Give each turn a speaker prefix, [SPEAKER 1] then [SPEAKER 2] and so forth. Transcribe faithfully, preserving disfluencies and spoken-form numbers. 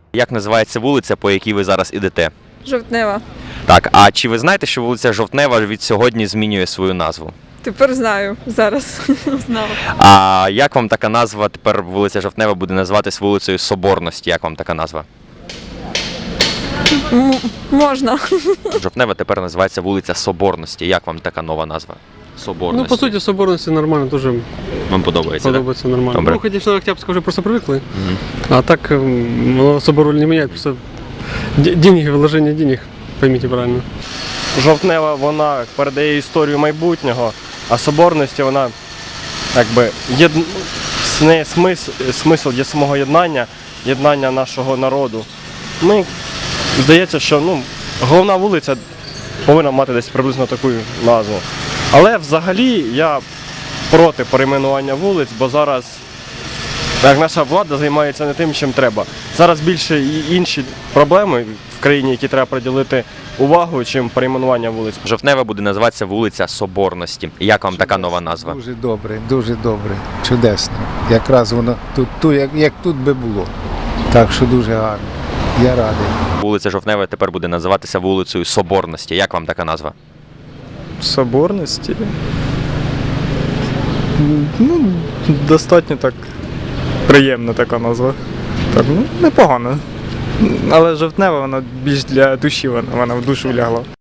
[SPEAKER 1] Як називається вулиця, по якій ви зараз ідете?
[SPEAKER 2] Жовтнева.
[SPEAKER 1] Так, а чи ви знаєте, що вулиця Жовтнева від сьогодні змінює свою назву?
[SPEAKER 2] Тепер знаю. Зараз знала.
[SPEAKER 1] А як вам така назва, тепер вулиця Жовтнева буде називатись вулицею Соборності? Як вам така назва?
[SPEAKER 2] М- можна.
[SPEAKER 1] Жовтнева тепер називається вулиця Соборності. Як вам така нова назва? Соборності.
[SPEAKER 3] Ну, по суті, соборності нормально, дуже
[SPEAKER 1] Вам подобається, так?
[SPEAKER 3] подобається нормально.
[SPEAKER 1] Добре.
[SPEAKER 3] Ну, конечно, Октябрьская вже просто привикли,
[SPEAKER 1] Мгм.
[SPEAKER 3] а так м, воно собор роль не міняє, просто де- деньги, вложення денег, пойміть правильно.
[SPEAKER 4] Жовтнева, вона передає історію майбутнього, а соборності вона якби єд... в неї смисл, смисл є самого єднання, єднання нашого народу. Ми, здається, що ну, головна вулиця повинна мати десь приблизно таку назву. Але взагалі я проти перейменування вулиць, бо зараз як наша влада займається не тим, чим треба. Зараз більше і інші проблеми в країні, які треба приділити увагу, чим перейменування вулиць.
[SPEAKER 1] Жовтнева буде називатися вулиця Соборності. Як вам така нова назва?
[SPEAKER 5] Дуже добре, дуже добре, чудесно. Якраз воно тут, тут як, як тут би було. Так що дуже гарно. Я радий.
[SPEAKER 1] Вулиця Жовтнева тепер буде називатися вулицею Соборності. Як вам така назва?
[SPEAKER 6] Соборності. Ну, достатньо так приємна така назва. Так, ну, непогано. Але жовтнева, вона більш для душі, вона, вона в душу лягла.